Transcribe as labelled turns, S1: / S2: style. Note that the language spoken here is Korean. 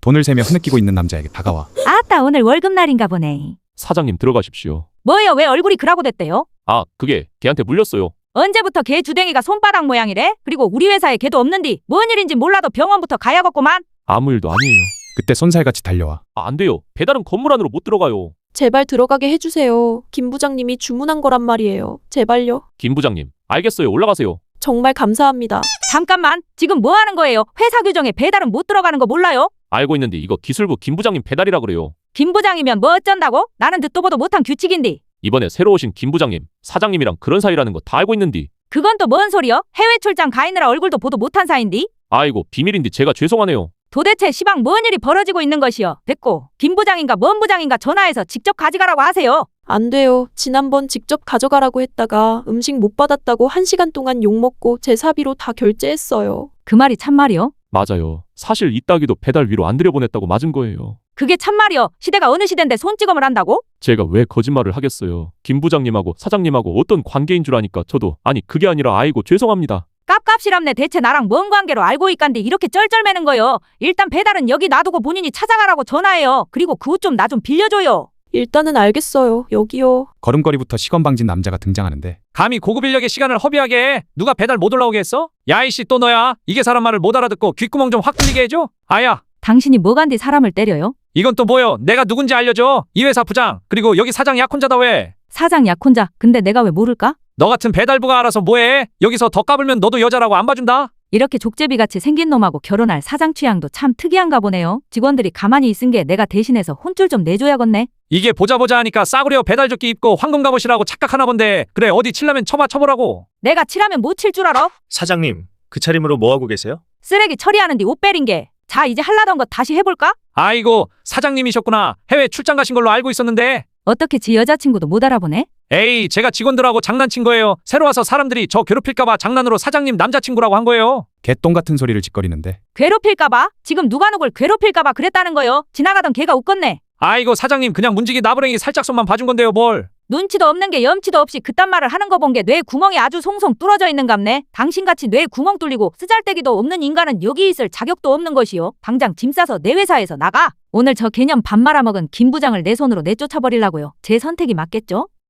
S1: 돈을 세며 흐느끼고 있는 남자에게 다가와
S2: 아따 오늘 월급날인가 보네.
S3: 사장님 들어가십시오.
S2: 뭐예요? 왜 얼굴이 그라고 됐대요?
S3: 아, 그게 걔한테 물렸어요.
S2: 언제부터 걔 주댕이가 손바닥 모양이래? 그리고 우리 회사에 걔도 없는디 뭔 일인지 몰라도 병원부터 가야겠구만.
S3: 아무 일도 아니에요.
S1: 그때 손살같이 달려와
S3: 아, 안 돼요. 배달은 건물 안으로 못 들어가요.
S4: 제발 들어가게 해주세요. 김 부장님이 주문한 거란 말이에요. 제발요.
S3: 김 부장님, 알겠어요. 올라가세요.
S4: 정말 감사합니다.
S2: 잠깐만, 지금 뭐 하는 거예요? 회사 규정에 배달은 못 들어가는 거 몰라요?
S3: 알고 있는데 이거 기술부 김 부장님 배달이라 그래요.
S2: 김 부장이면 뭐 어쩐다고? 나는 듣도 보도 못한 규칙인디.
S3: 이번에 새로 오신 김 부장님, 사장님이랑 그런 사이라는 거 다 알고 있는디.
S2: 그건 또 뭔 소리여? 해외 출장 가 있느라 얼굴도 보도 못한 사이인디?
S3: 아이고, 비밀인데 제가 죄송하네요.
S2: 도대체 시방 뭔 일이 벌어지고 있는 것이여? 됐고, 김 부장인가 뭔 부장인가 전화해서 직접 가져가라고 하세요.
S4: 안 돼요. 지난번 직접 가져가라고 했다가 음식 못 받았다고 1시간 동안 욕먹고 제 사비로 다 결제했어요.
S2: 그 말이 참말이여?
S3: 맞아요. 사실 이따기도 배달 위로 안 들여보냈다고 맞은 거예요.
S2: 그게 참말이여? 시대가 어느 시대인데 손찌검을 한다고?
S3: 제가 왜 거짓말을 하겠어요. 김 부장님하고 사장님하고 어떤 관계인 줄 아니까 저도 아니 그게 아니라 아이고 죄송합니다.
S2: 깝깝시랍네. 대체 나랑 뭔 관계로 알고 있간디 이렇게 쩔쩔매는 거요. 일단 배달은 여기 놔두고 본인이 찾아가라고 전화해요. 그리고 그 옷 좀 나 좀 빌려줘요.
S4: 일단은 알겠어요. 여기요.
S1: 걸음걸이부터 시건방진 남자가 등장하는데
S5: 감히 고급 인력의 시간을 허비하게 해. 누가 배달 못 올라오게 했어? 야 이씨 또 너야. 이게 사람 말을 못 알아듣고 귓구멍 좀 확 뚫리게 해줘. 아야
S2: 당신이 뭐간디 사람을 때려요?
S5: 이건 또 뭐여. 내가 누군지 알려줘. 이 회사 부장 그리고 여기 사장 약혼자다. 왜?
S2: 사장 약혼자. 근데 내가 왜 모를까?
S5: 너 같은 배달부가 알아서 뭐해. 여기서 더 까불면 너도 여자라고 안 봐준다.
S2: 이렇게 족제비같이 생긴 놈하고 결혼할 사장 취향도 참 특이한가 보네요. 직원들이 가만히 있은 게 내가 대신해서 혼쭐 좀 내줘야겠네.
S5: 이게 보자 하니까 싸구려 배달조끼 입고 황금 갑옷이라고 착각하나 본데. 그래 어디 칠라면 쳐보라고.
S2: 내가 칠하면 못 칠 줄 알아?
S6: 사장님, 그 차림으로 뭐 하고 계세요?
S2: 쓰레기 처리하는데 옷 베린 게. 자, 이제 할라던 거 다시 해볼까?
S5: 아이고 사장님이셨구나. 해외 출장 가신 걸로 알고 있었는데.
S2: 어떻게 지 여자친구도 못 알아보네?
S5: 에이 제가 직원들하고 장난친 거예요. 새로 와서 사람들이 저 괴롭힐까봐 장난으로 사장님 남자친구라고 한 거예요.
S1: 개똥 같은 소리를 짓거리는데
S2: 괴롭힐까봐? 지금 누가 누굴 괴롭힐까봐 그랬다는 거요. 지나가던 걔가 웃겄네.
S5: 아이고 사장님 그냥 문지기 나부랭이 살짝 손만 봐준 건데요 뭘.
S2: 눈치도 없는 게 염치도 없이 그딴 말을 하는 거 본 게 뇌 구멍이 아주 송송 뚫어져 있는갑네. 당신같이 뇌 구멍 뚫리고 쓰잘데기도 없는 인간은 여기 있을 자격도 없는 것이요. 당장 짐 싸서 내 회사에서 나가. 오늘 저 개념 밥 말아먹은 김 부장을 내 손으로 내쫓아버리려고요. 제 선택이 맞겠죠?